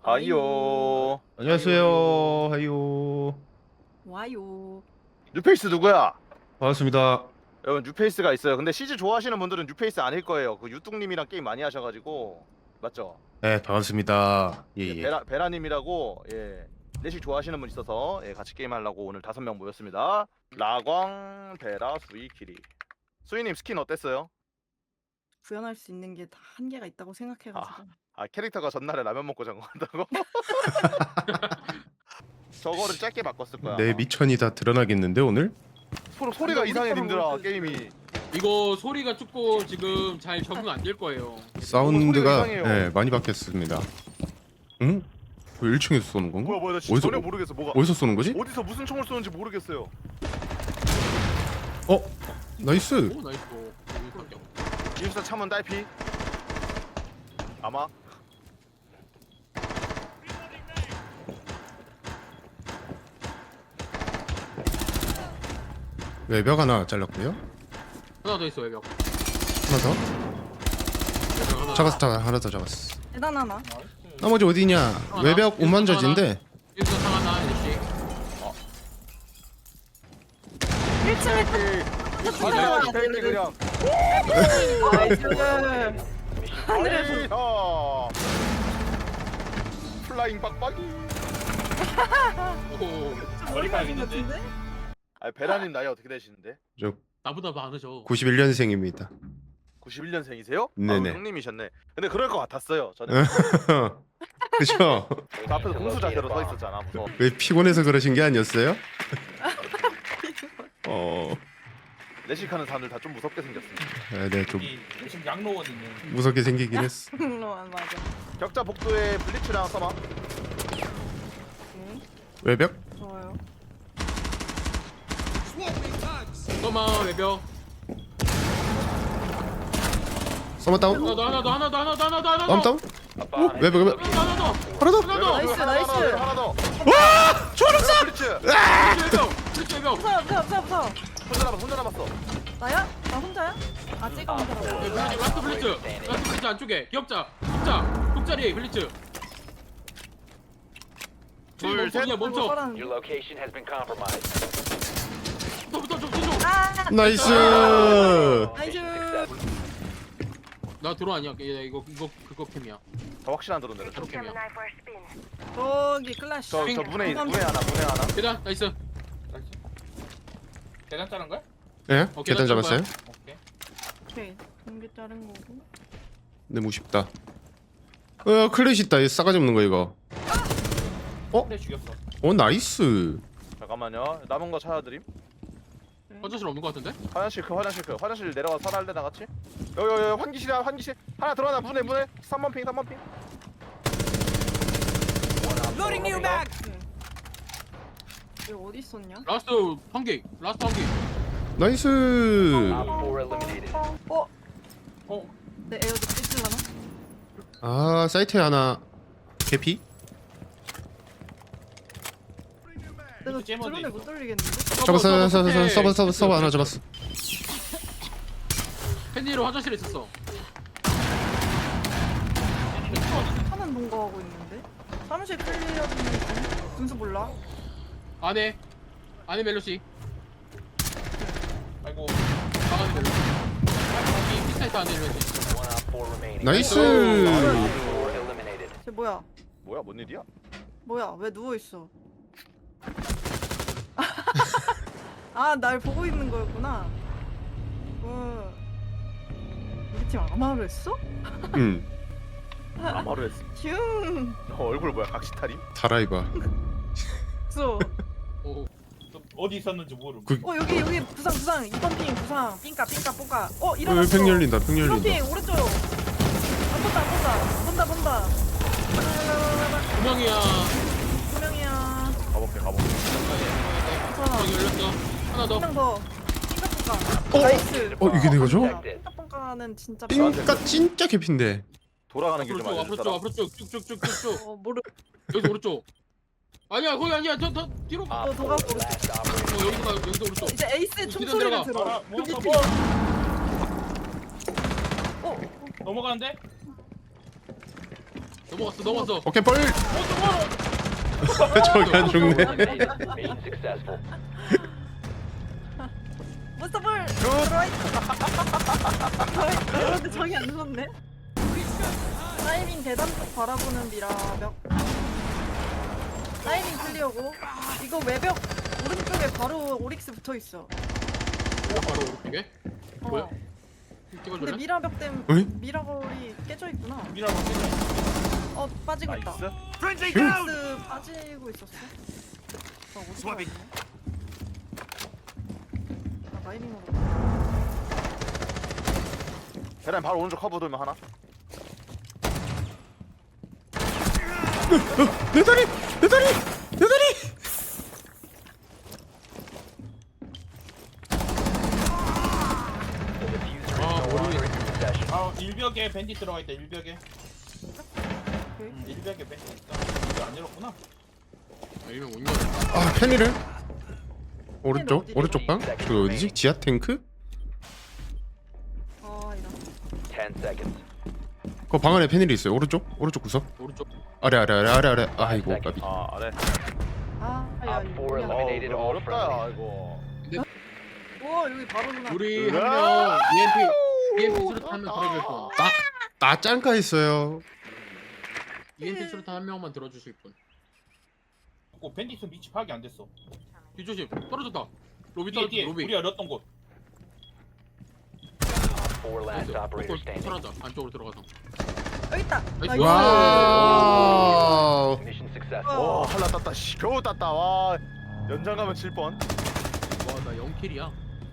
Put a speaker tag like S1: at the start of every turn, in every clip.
S1: 아이요.
S2: 안녕하세요. 하이요.
S3: 와요.
S1: 뉴페이스 누구야?
S2: 반갑습니다.
S1: 여러분 뉴페이스가 있어요. 근데 CG 좋아하시는 분들은 뉴페이스 아닐 거예요. 그 유뚱님이랑 게임 많이 하셔가지고 맞죠?
S2: 네, 반갑습니다. 예, 예.
S1: 베라님이라고 예 내식 좋아하시는 분 있어서 예, 같이 게임 하려고 오늘 5명 모였습니다. 라광, 베라, 수이, 키리. 수이님 스킨 어땠어요?
S3: 구현할 수 있는 게 다 한계가 있다고 생각해가지고.
S1: 아 캐릭터가 전날에 라면 먹고 전거한다고? 저거를 짧게 바꿨을 거야.
S2: 내 미천이 다 드러나겠는데 오늘?
S1: 소리가
S3: 우리
S1: 이상해
S3: 거랑
S1: 님들아
S3: 모르겠어요.
S1: 게임이.
S4: 이거 소리가 조금 지금 잘 적응 안 될 거예요.
S2: 사운드가
S1: 이상해요.
S2: 네, 많이 바뀌었습니다. 응? 왜 1층에서 쏘는 건가?
S1: 뭐야 나 진짜
S2: 어디서-
S1: 전혀 모르겠어 뭐가.
S2: 어디서 쏘는 거지?
S1: 어디서 무슨 총을 쏘는지 모르겠어요.
S2: 어? 나이스.
S4: 오 나이스. 여기밖에 없네.
S1: 기숙사 참은 딸피. 아마.
S2: 외벽 하나 잘랐고요.
S4: 하나 더 있어 외벽.
S2: 하나 더.
S4: 외벽 하나.
S2: 하나 더 잡았어.
S3: 대단 하나.
S2: 나머지 어디냐?
S4: 하나.
S2: 외벽
S4: 여기서
S2: 오만저지인데.
S4: 여기서 상 하나 이렇게.
S3: 1층에
S1: 하늘에서 스테이크 그냥. 하늘에서. 플라잉 빡빡이.
S4: 오
S3: 머리가 같은데?
S1: 아 베라님 나이 어떻게 되시는데?
S2: 저
S4: 나보다 많으셔.
S2: 91년생입니다.
S1: 91년생이세요?
S2: 네네.
S1: 아, 형님이셨네. 근데 그럴 것 같았어요. 저는
S2: 그죠?
S1: 저 앞에서 공수 자세로 서 있었잖아. 무서워.
S2: 왜 피곤해서 그러신 게 아니었어요?
S1: 내식하는 사람들 다 좀 무섭게 생겼습니다.
S2: 네, 좀
S5: 지금 양로원 있는
S2: 무섭게 생기긴 했어.
S3: 맞아.
S1: 격자 복도에 블리츠랑 써마.
S3: 응,
S2: 외벽?
S3: 좋아요.
S4: 잠깐만 외벽.
S2: 서머 다운?
S4: 하나 더.
S2: 다운 다운? 외벽
S4: 하나 더.
S2: 하나 더?
S4: 하나 더.
S3: 나이스, 나이스.
S1: 하나 더.
S2: 와! 초록색!
S1: 블리츠.
S4: 블리츠 외벽.
S3: 무서워.
S1: 혼자 남았어.
S3: 나야? 나 혼자야? 아 찍어 혼자라고.
S4: 라스트 블리츠 안쪽에 기업자. 국자리 블리츠.
S1: 둘, 셋.
S4: 그냥 멈춰.
S6: Your location has been compromised.
S4: 부터 좀 뒤쪽.
S3: 아,
S2: 나이스!
S3: 나이스.
S4: 나 드론 아니야. 이거 그거 캠이야.
S1: 더 확실한 드론 내려.
S4: 드론 캠이야.
S3: 저기 클래시.
S1: 저 문에 하나.
S4: 계단 나이스.
S5: 계단 자른 거야?
S2: 예?
S4: 어,
S2: 계단
S4: 계단
S2: 잡았어요?
S5: 오케이.
S3: 오케이. 공개 자른 거고.
S2: 네, 무쉽다. 클래시 있다. 이 싸가지 없는 거 이거.
S5: 그래 죽였어.
S2: 나이스.
S1: 잠깐만요. 남은 거 찾아드림.
S4: 화장실 없는 거 같은데?
S1: 화장실 내려가 살할래 나 같이. 여기 환기실이야 환기실. 하나 들어가나 문에 3번 핑.
S6: Loading new mag.
S3: 여기 어디 있었냐?
S4: 라스트 한 개.
S2: 나이스.
S6: Op 4 eliminated.
S3: 내 에어도 삐질라나?
S2: 아, 사이트에 하나 개피?
S3: 내가
S5: 잼어도
S3: 드론을
S5: 있어.
S3: 못 돌리겠는데?
S2: 잡았어. 서버 하나 잡았어.
S4: 팬니로 화장실에 있었어.
S3: 하는 농구하고 있는데? 사무실 클리어분이 분수 몰라?
S4: 안에 멜로시.
S5: 아이고.
S4: 방 안에 멜로시. 여기 피스타이트 안에 멜로시.
S6: One op 4 remaining.
S2: 나이스.
S6: 4 eliminated.
S3: 쟤 뭐야?
S1: 뭐야 뭔 일이야?
S3: 뭐야? 왜 누워있어? 아, 날 보고 있는 거였구나. 우리 팀 아마로 했어?
S2: 응.
S1: 아마로 했어.
S3: 슝!
S1: 얼굴 뭐야 각시탈임?
S2: 다라이바.
S3: 써.
S4: 오.
S5: 또 어디 있었는지 모름.
S3: 여기 부상 2번 핑 부상 삥까 뽀까 일어났어.
S2: 팽 열린다.
S3: 2번 핑 오른쪽 안 본다
S4: 두 명이야.
S3: 2명이야
S1: 가볼게.
S3: 괜찮아
S4: 방 열렸어. 하나 더.
S3: 1명 더 삥까 뽀까 나이스
S2: 이게 내가죠?
S3: 삥까 뽀까는 진짜
S2: 삥까 진짜 개피인데.
S1: 돌아가는 길 좀 알려주라.
S4: 앞으로 쭉 쭉쭉쭉쭉.
S3: 모르
S4: 여기서 오른쪽. 아니야 거기 아니야. 더 뒤로.
S6: Op 4
S3: 도가
S6: last operator.
S4: 여기서 오른쪽.
S3: 이제 에이스
S4: 계단
S3: 총소리를
S4: 내려가.
S3: 들어
S5: 아, 뭐 넘어가는데?
S4: 넘어갔어.
S2: 오케이 뻘. 저기 안 죽네.
S6: Eliminated. Mission successful.
S3: 몬스터볼 들어있어. 근데 저기 안 죽었네. 타이밍 계단 쪽 바라보는 미라벽. 타이밍 클리어고. 이거 외벽 오른쪽에 바로 오릭스 붙어 있어.
S4: 바로 오른쪽에. 뭐야?
S3: 근데
S4: 찍어줄래?
S3: 미라벽 때문에
S2: 어이?
S3: 미라걸이 깨져 있구나.
S5: 미라로 깨져.
S3: 빠지고 있다.
S1: 나이스.
S3: 오릭스 빠지고 있었어. 어디 갔네? 라이밍으로.
S1: 계단 바로 오른쪽 커브 돌면 하나.
S2: 내 다리.
S6: The diffuser is no longer in your possession.
S5: 아 일벽에 밴디 들어가 있다. 일벽에. 일벽에 밴디 있다. 이거 안 열었구나.
S4: 아니면 온 거.
S2: 아 펜이를. 오른쪽 방. 그 어디지? 지하 탱크?
S3: 이런.
S6: 10 seconds.
S2: 그 방 안에 펜일이 있어요. 오른쪽 구석.
S4: 오른쪽.
S2: 아래. 아이고 까비.
S1: 아 아래.
S3: 야,
S6: Op 4
S3: 이거.
S6: eliminated
S1: 이거
S6: all
S1: 어렵다
S6: friendlies.
S1: 이거.
S3: 우와, 여기 바로 누나.
S4: 우리 한 명 EMP 수류탄 한명 들어줄 분.
S2: 나 짱가 있어요.
S4: EMP 수류탄 한 명만 들어주실 분.
S5: 밴디 있으면 위치 파악이 안 됐어.
S4: 뒤조심. 떨어졌다. 로비
S5: 뒤에
S4: 떨어졌다. 로비.
S5: 우리 열었던 곳.
S6: 4 last operator standing.
S4: 사라져. 안쪽으로 들어가서.
S3: 여기 있다.
S4: 나이스.
S2: 와우.
S6: Mission successful.
S1: 와 한라 땄다. 씨 겨우 땄다. 와 연장 가면 7번.
S4: 와, 나 0킬이야.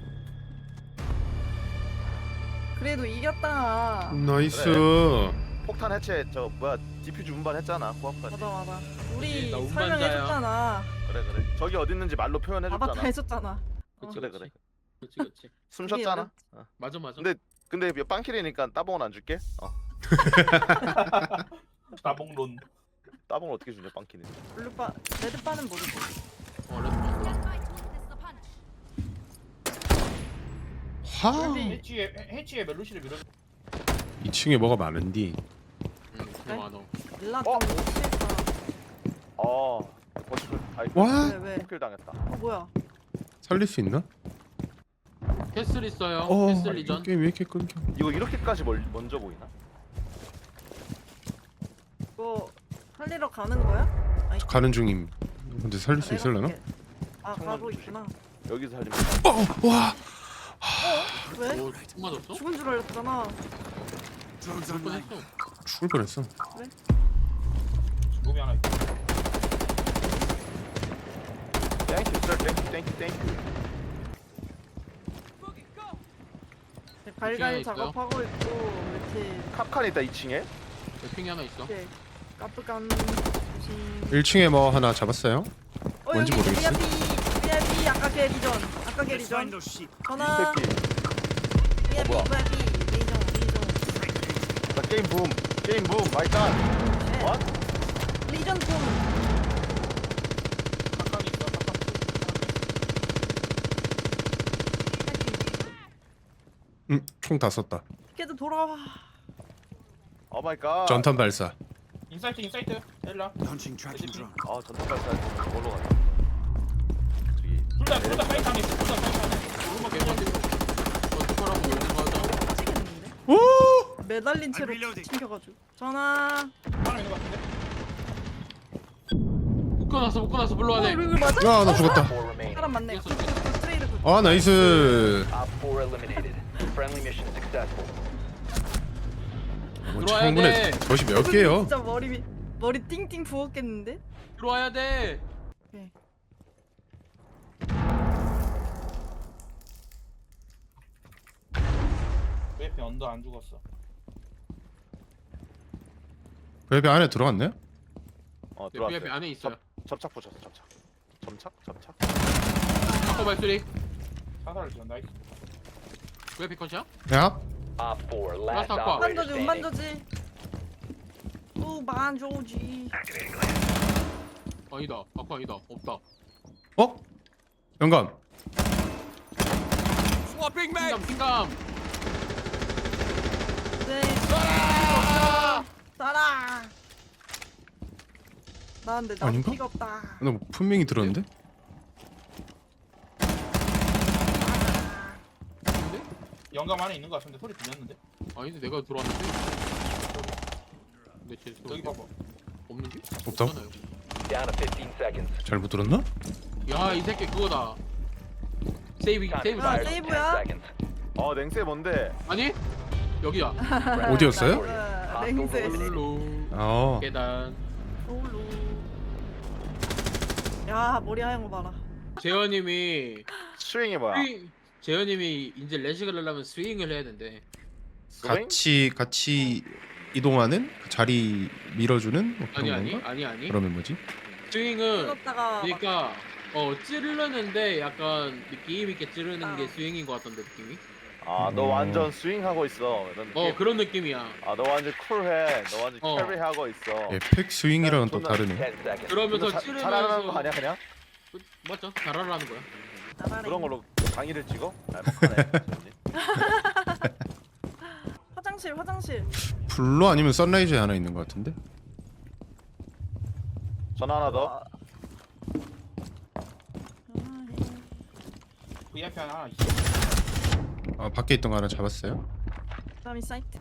S3: 그래도 이겼다.
S2: 나이스.
S1: 폭탄 해체 저 뭐야 디퓨즈 운반 했잖아 코앞까지.
S3: 맞아. 우리
S4: 나 운반자야.
S3: 설명해줬잖아.
S1: 그래. 저기 어디 있는지 말로
S3: 아바타
S1: 표현해줬잖아.
S3: 해줬잖아.
S1: 그래.
S4: 그렇지.
S1: 숨 쉬었잖아.
S4: 맞아.
S1: 근데 빵킬이니까 따봉은 안 줄게.
S5: 나봉론.
S1: 따봉을 어떻게 주냐 빵킬이.
S3: 블루바, 레드바는 모르지.
S4: 레드.
S2: 하.
S5: 해치에 멜로시를 밀어.
S2: 2층에 뭐가 많은디.
S4: 그냥 많어.
S3: 일라 좀 취했다.
S1: 버티클. 아이
S2: 와.
S3: 왜?
S1: 킬 당했다.
S3: 뭐야?
S2: 살릴 수 있나?
S4: 캐슬 있어요.
S2: 어.
S4: 캐슬 리전.
S2: 게임 왜 이렇게 끊겨?
S1: 이거 이렇게까지 먼저 보이나?
S3: 이거 살리러 가는 거야? 아니,
S2: 저 가는 중임. 근데 살릴 수
S3: 내가
S2: 있을려나?
S3: 볼게. 가고 있구나.
S1: 여기서 살리면.
S2: 와.
S3: 왜?
S4: 오, 총 맞았어?
S3: 죽은 줄 알았잖아.
S4: 죽을 뻔했어.
S2: 죽을 뻔했어.
S5: 몸이 하나 있다.
S1: 땡큐 sir. 땡큐.
S3: 갈갈
S4: 있어요?
S3: 작업하고 있고 이렇게
S1: 캅칸 있다 2층에.
S4: 핑이 하나 있어.
S3: 이렇게 까쁘간 조심.
S2: 1층에 뭐 하나 잡았어요? 뭔지
S3: 여기
S2: 모르겠어.
S3: VIP 아까 게리전. 전화.
S1: 이 새끼.
S3: VIP
S1: 뭐야?
S3: 리전.
S1: 나 게임 붐. 마이 갓.
S3: 네.
S1: What?
S3: 리전 좀.
S5: 가까이 있어. 가까이.
S2: 총 다 썼다.
S3: 걔도 돌아와.
S1: 오 마이 갓.
S2: 전탄 발사.
S5: 인사이트. 엘라.
S1: 아 전탄 발사 뭘로 가냐? 저기
S5: 둘다 사이트 안에 있어. 둘다 사이트 안에.
S4: 오른쪽 개만 어떡하라고 이러는 거죠?
S3: 빠지겠는데?
S2: 오!
S3: 매달린 채로 튕겨가지고. 전화.
S5: 하나 있는 것 같은데.
S4: 묶어놨어. 불러야 돼.
S3: 이거 맞아?
S2: 야, 나 죽었다.
S6: 4 remaining.
S3: 사람 맞네.
S4: 됐어.
S3: 스트레이트.
S2: 아, 나이스.
S6: Op 4 eliminated. Friendly mission successful.
S2: 뭐
S4: 들어와야
S2: 창문에
S4: 돼.
S2: 젖이 몇 개요?
S3: 진짜 머리 띵띵 부었겠는데?
S4: 들어와야 돼.
S5: 왜 옆에 언더 안 죽었어?
S2: 웹이 안에 들어갔네?
S1: 들어왔어요.
S4: VIP 안에 있어요.
S1: 접착 붙였어. 점착.
S4: 아까 발소리.
S5: 사살을 지어. 나이스.
S4: VIP 컷이야?
S2: 야,
S6: Op 4 last
S4: 아까.
S6: operator
S3: 만져지
S6: standing.
S3: 만져지.
S4: 아니다. 아까 아니다. 없다.
S2: 어? 영감.
S4: 핑감.
S3: 네. 쏴라. 나는데 나도
S2: 아닌가?
S3: 피가 없다.
S2: 나 분명히 들었는데?
S4: 근데?
S5: 영감 안에 있는 거 같은데 소리 들렸는데?
S4: 아닌데 내가 들어왔는데. 근데 쟤
S5: 저기 봐봐.
S4: 없는데?
S2: 없다고?
S4: 없잖아요.
S6: Down to 15 seconds.
S2: 잘못 들었나?
S4: 야, 이 새끼 그거다. 세이브
S6: Time
S4: 세이브.
S3: 아,
S6: expires in 10
S3: 세이브야?
S6: seconds.
S1: 냉세 뭔데?
S4: 아니? 여기야.
S2: 어디였어요?
S3: 냉세.
S4: 홀로
S2: 아
S4: 계단.
S3: 홀로. 야 머리 하얀 거 봐라.
S4: 재현님이
S1: 스윙이 뭐야?
S4: 재현님이 이제 레식을 하려면 스윙을 해야 된대.
S1: 스윙?
S2: 같이 이동하는 그 자리 밀어주는 뭐 그런
S4: 아니
S2: 건가?
S4: 아니.
S2: 그러면 뭐지?
S4: 스윙은
S3: 찍었다가
S4: 그러니까 찌르는데 약간 느낌 있게 찌르는 게 스윙인 것 같던데 느낌이.
S1: 너 완전 스윙하고 있어. 이런 느낌?
S4: 그런 느낌이야.
S1: 너 완전 쿨해. 너 완전
S4: 어.
S1: 캐리하고 있어.
S2: 에펙 스윙이랑은 또
S1: 존나-
S2: 다르네.
S6: 10 seconds.
S4: 그러면서
S1: 이거 잘하는 거
S4: 찌르면서
S1: 아니야 그냥?
S4: 맞죠? 잘하라는 거야.
S3: 나가래.
S1: 그런 걸로 강의를 찍어? 알박하네.
S3: 화장실.
S2: 블루 아니면 선라이즈에 하나 있는 것 같은데?
S1: 전화 하나 더.
S5: VIP 하나 있어.
S2: 아 밖에 있던 거 하나 잡았어요?
S3: 그다음에 사이트.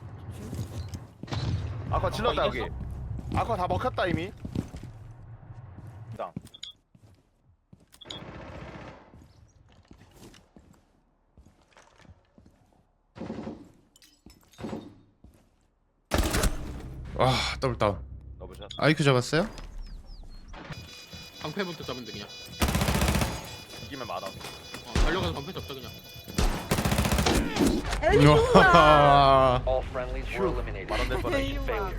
S1: 아까 질렀다 여기.
S5: 이겼어?
S1: 아까 다 먹혔다 이미. 땅.
S2: 와 더블 다운.
S1: 넣어보자.
S2: 아이큐 잡았어요?
S4: 방패부터 잡으면 돼 그냥.
S1: 이기면 많아.
S4: 달려가서 방패 잡자 그냥.
S3: 에이 뭐야.
S2: 우와.
S6: All friendlies were eliminated.
S1: 만원 될 뻔해.
S3: 에이,
S6: Failure.